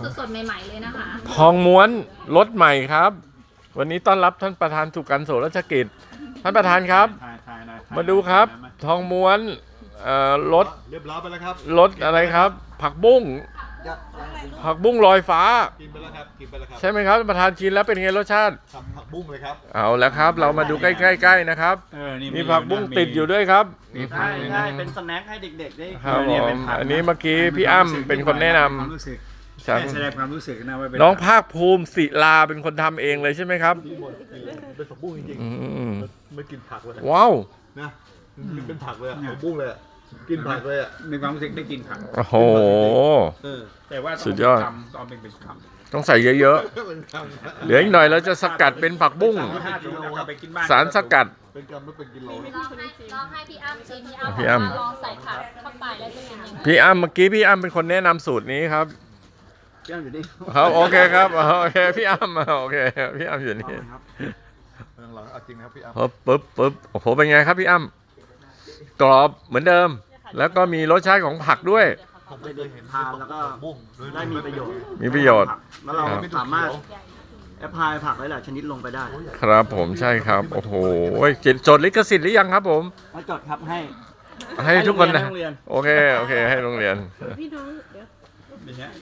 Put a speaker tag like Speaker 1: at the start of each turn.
Speaker 1: สดๆใหม่ๆเลยนะคะ
Speaker 2: ทองม้วนรสใหม่ครับ วันนี้ต้อนรับท่านประธานสุกันโสรัชกิจท่านประธานครับ มาดูครับ ทองม้วนรส
Speaker 3: เรียบร้อยไปแล้วครับ
Speaker 2: รสอะไรครับ ผักบุ้งผักบุ้งลอยฟ้า
Speaker 3: กินไปแล้วครับกินไปแล้วครับ
Speaker 2: ใช่ไหมครับท่านประธานชิมแล้วเป็นไงรสชาติ
Speaker 3: ทำผักบุ้งเลยครับ
Speaker 2: เอาแล้วครับ เรามาดูใกล้ๆนะครับมีผักบุ้งติดอยู่ด้วยครับ
Speaker 4: ใช่ใช่เป็นสแน็คให้เด็กๆได้
Speaker 2: ครับผมอันนี้เมื่อกี้พี่อ้ำเป็นคนแนะนำ
Speaker 5: แสดงความรู้สึกนะว่าเป็น
Speaker 2: น้องภาคภูมิศิลาเป็นคนทำเองเลยใช่ไหมครับ
Speaker 3: ที่หมดเป็นผักบุ้งจริง
Speaker 2: อืม
Speaker 3: ๆไม่กินผักเลย
Speaker 2: ว้าว
Speaker 3: นะเป็นผักเลยผักบุ้งเลยกินผักเลยอ่ะ
Speaker 5: มีความรู้สึกได้กินผัก
Speaker 2: โอ้โห
Speaker 5: แต่ว่า
Speaker 2: สุดยอด
Speaker 5: ตอนเป็นคำ
Speaker 2: ต้องใส่เยอะ
Speaker 3: เป็นค
Speaker 2: ๆเหลืออีกหน่อยเราจะสกัดเป็นผักบุ้ง
Speaker 5: ถ้าสมมติเราไปกินบ้าน
Speaker 2: สารสกัด
Speaker 3: ำเป็นกำไม่เป็นกิโล
Speaker 1: ลองให้พี่อ้ำชิมพี่อ้ำ
Speaker 2: พี่อ้ำ
Speaker 1: ลองใส่ผักเข้าไปแล้วจะเป็นยังไง
Speaker 2: พี่อ้ำเมื่อกี้พี่อ้ำเป็นคนแนะนำสูตรนี้ครับ
Speaker 4: เจ้าอยู่นี่
Speaker 2: ครับโอเคครับโอเคพี่อ้ำโอเคพี่อ้ำอยู่นี่
Speaker 3: หลังๆเอาจริงนะครับพี่อ้ำ
Speaker 2: ปึ๊บโอ้โหเป็นไงครับพี่อ้ำกรอบเหมือนเดิม แล้วก็มีรสชาติของผักด้วย
Speaker 3: ผมไม่เคยเห็น
Speaker 4: ทานแล้วก็
Speaker 3: บุ้ง
Speaker 4: ได้มีประโยชน์
Speaker 2: มีประโยชน์
Speaker 4: แล้วเราสามารถแอพพลายผักหลายๆชนิดลงไปได้
Speaker 2: ครับผมใช่ครับโอ้โหจดลิขสิทธิ์หรือยังครับผม
Speaker 4: มาจดครับให้
Speaker 2: ให้ทุกคนนะ
Speaker 4: ให้โรงเรียน
Speaker 2: โอเคให้โรงเรียน
Speaker 5: อย่างเงี้ย